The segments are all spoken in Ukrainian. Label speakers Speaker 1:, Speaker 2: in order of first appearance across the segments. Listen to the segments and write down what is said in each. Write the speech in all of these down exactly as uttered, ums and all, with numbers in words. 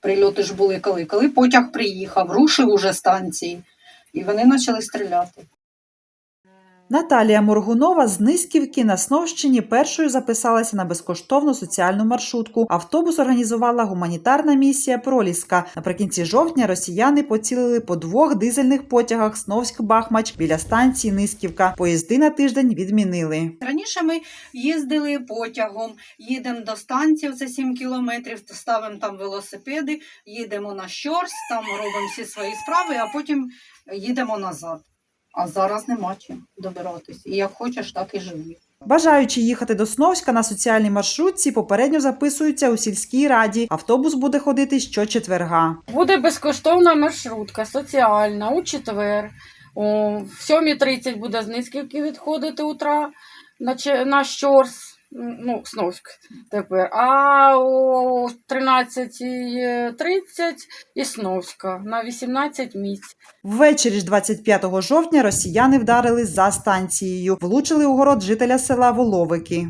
Speaker 1: Прильоти ж були коли? Коли потяг приїхав, рушив уже станції, і вони почали стріляти.
Speaker 2: Наталія Моргунова з Низьківки на Сновщині першою записалася на безкоштовну соціальну маршрутку. Автобус організувала гуманітарна місія «Проліска». Наприкінці жовтня росіяни поцілили по двох дизельних потягах Сновськ-Бахмач біля станції Низьківка. Поїзди на тиждень відмінили.
Speaker 1: Раніше ми їздили потягом, їдемо до станції, це сім кілометрів, ставимо там велосипеди, їдемо на Щорс, там робимо всі свої справи, а потім їдемо назад. А зараз нема чим добиратись. І як хочеш, так і живи.
Speaker 2: Бажаючи їхати до Сновська на соціальній маршрутці, попередньо записуються у сільській раді. Автобус буде ходити щочетверга.
Speaker 3: Буде безкоштовна маршрутка, соціальна, у четвер. О, в сьомій тридцять буде з Низьківки відходити утра на, на Щорс, ну, Сновськ тепер. А о тринадцятій тридцять і Сновська на вісімнадцять місць.
Speaker 2: Ввечері ж двадцять п'ятого жовтня росіяни вдарили за станцією. Влучили у город жителя села Воловики.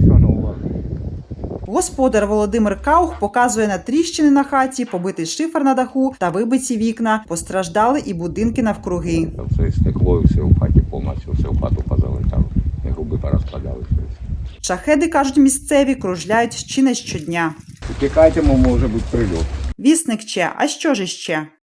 Speaker 2: Господар Володимир Каух показує на тріщини на хаті, побитий шифер на даху та вибиті вікна. Постраждали і будинки навкруги.
Speaker 4: Все стекло, і все в хаті повністю, все в хату позалетало, і груби порозкладали.
Speaker 2: Шахеди, кажуть місцеві, кружляють чи не щодня.
Speaker 4: Тікайте, може бути прильот.
Speaker 2: Вісник Че, а що ж іще?